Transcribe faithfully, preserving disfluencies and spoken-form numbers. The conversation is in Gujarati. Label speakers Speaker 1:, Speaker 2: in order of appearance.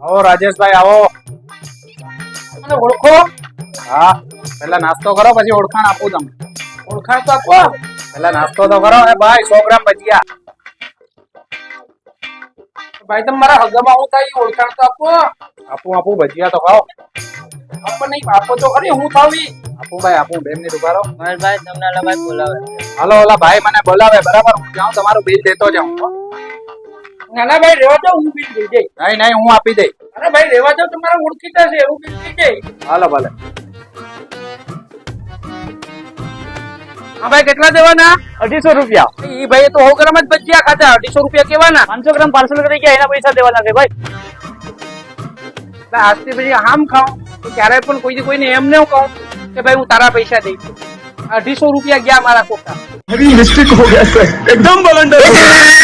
Speaker 1: આવો રાજેશભાઈ આવો.
Speaker 2: મને ઓળખો?
Speaker 1: હા, પેલા નાસ્તો કરો પછી ઓળખાણ આપું તમને.
Speaker 2: ઓળખાણ તો આપો.
Speaker 1: પેલા નાસ્તો તો કરો. એ ભાઈ સો ગ્રામ ભજીયા.
Speaker 2: ભાઈ તમે મારા હગામાં હું થાય ઓળખાણ તો આપો.
Speaker 1: આપું આપું ભજીયા તો ખાઓ.
Speaker 2: આપો નહીં આપો તો ખરી હું થાવી.
Speaker 1: આપું ભાઈ આપું. બે મિનિટ ઉભા રહો.
Speaker 3: ભાઈ તમને ઓલા ભાઈ બોલાવે.
Speaker 1: હાલો ઓલા ભાઈ મને બોલાવે બરાબર. હું જાઉં તમારું બિલ દેતો જાઉં.
Speaker 2: નાના ભાઈ રેવા દો હું બિલ દઈ જઈ.
Speaker 1: નહીં નહીં હું આપી દઈ.
Speaker 2: અરે ભાઈ રેવા દો તમારા ઓળખીતા છે હું બિલ દઈ જઈ.
Speaker 1: હાલો ભલે.
Speaker 2: હા ભાઈ કેટલા દેવાના?
Speaker 3: અઢીસો રૂપિયા.
Speaker 2: ઈ ભાઈ તો સો ગ્રામ જ ભજીયા ખાધા અઢીસો રૂપિયા કેવાના?
Speaker 3: પાંચસો ગ્રામ પાર્સલ કરી ગયા એના પૈસા દેવાના છે ભાઈ.
Speaker 2: આજથી પછી આમ ખાઉં તો ક્યારે પણ કોઈ કોઈને એમ ન કહું કે ભાઈ હું તારા પૈસા દઈ છું. અઢીસો રૂપિયા ગયા મારા કોટા.
Speaker 4: मिस्टेक हो गया सर एकदम बलंडर